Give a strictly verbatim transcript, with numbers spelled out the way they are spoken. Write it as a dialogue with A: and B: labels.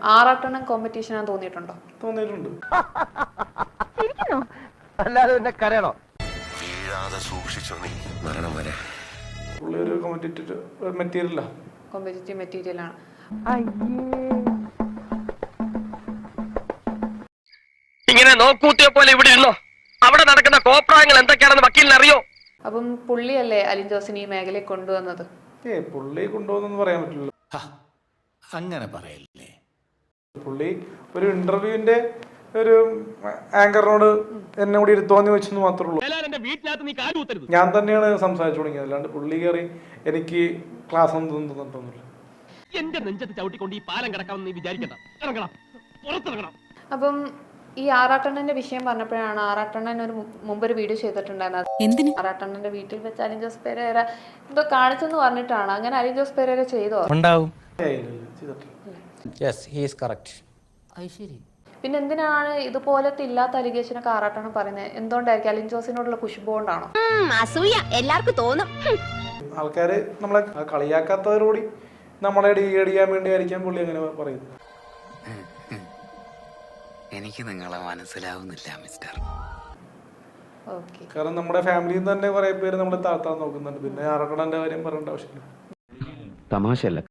A: ആറാട്ടെണ്ണം competition ആണെന്ന് തോന്നിയിട്ടുണ്ടോ?
B: തോന്നിയിട്ടുണ്ട്.
C: അല്ലാതെ പിന്നെ കരയണോ?
D: വീഴാതെ സൂക്ഷിച്ചോ നീ മരണം വരെ.
B: പുള്ളി ഒരു കോമ്പറ്റേറ്റീവ് മെറ്റീരിയലാ,
A: കോമ്പറ്റേറ്റീവ് മെറ്റീരിയൽ ആണ്.
C: ഇങ്ങനെ നോക്കൂത്തിയെ പോലെ ഇവിടെ ഇരുന്നോ? അവിടെ നടക്കുന്ന കോപ്രായങ്ങൾ എന്തൊക്കെയാണെന്ന് വക്കീലിന് അറിയോ?
A: അപ്പം പുള്ളിയല്ലേ അലിൻ ജോസിനെ ഈ മേഖലയിൽ കൊണ്ടുവന്നത്?
B: ഏ പുള്ളി കൊണ്ടുപോകുന്നെന്ന് പറയാൻ പറ്റില്ല.
E: അങ്ങനെ പറയല്ലേ.
B: പുള്ളി ഒരു ഇന്റർവ്യൂവിന്റെ ഒരു ആങ്കറിനോട് എന്നെ കൂടി ഇരുത്തോന്ന് ചോദിച്ചെന്ന് മാത്രമേ ഉള്ളൂ. ഞാൻ തന്നെയാണ് സംസാരിച്ചു തുടങ്ങിയത്, അല്ലാണ്ട് പുള്ളി കയറി എനിക്ക് ക്ലാസ് ഒന്നും തന്നിട്ടൊന്നുമില്ല.
C: എന്റെ നെഞ്ചത്ത് ചവിട്ടിക്കൊണ്ട് ഈ പാലം കിടക്കാമെന്ന് വിചാരിക്കണ്ട. ഇറങ്ങണം, പുറത്തിറങ്ങണം.
A: അപ്പം ഈ ആറാട്ടെണ്ണന്റെ വിഷയം പറഞ്ഞപ്പോഴാണ് ആറാട്ടെണ്ണൻ ഒരു മുമ്പ് ഒരു വീഡിയോ ചെയ്തിട്ടുണ്ടായിരുന്നത്. ആറാട്ടെണ്ണന്റെ വീട്ടിൽ വെച്ച് അലിൻ ജോസ് പെരേര എന്തോ കാണിച്ചെന്ന് പറഞ്ഞിട്ടാണ്. അങ്ങനെ അലിൻ ജോസ് പെരേര ചെയ്തോ?
F: ഉണ്ടാവും.
A: പിന്നെ എന്തിനാണ് ഇതുപോലത്തെ ഇല്ലാത്ത അലിഗേഷനൊക്കെ ആറാട്ടെണ്ണം പറയുന്നത്? എന്തുകൊണ്ടായിരിക്കും? അലിൻ ജോസിനോടുള്ള കുശുമ്പ് കൊണ്ടാണോ?
G: എല്ലാവർക്കും തോന്നും.
B: ആൾക്കാര് നമ്മളെ കളിയാക്കാത്തവരോടി നമ്മളെ ഡീഗ്രേഡ് ചെയ്യാൻ വേണ്ടി ആയിരിക്കാം പുള്ളി അങ്ങനെ പറയുന്നത്.
H: എനിക്ക് നിങ്ങളെ മനസ്സിലാവുന്നില്ല മിസ്റ്റർ.
B: കാരണം നമ്മുടെ ഫാമിലിയിൽ നിന്ന് തന്നെ കുറെ പേര് നമ്മളെ താഴ്ത്താൻ നോക്കുന്നുണ്ട്. പിന്നെ ആറാട്ടെണ്ണന്റെ കാര്യം പറയേണ്ട ആവശ്യമില്ല.
I: തമാശയല്ല.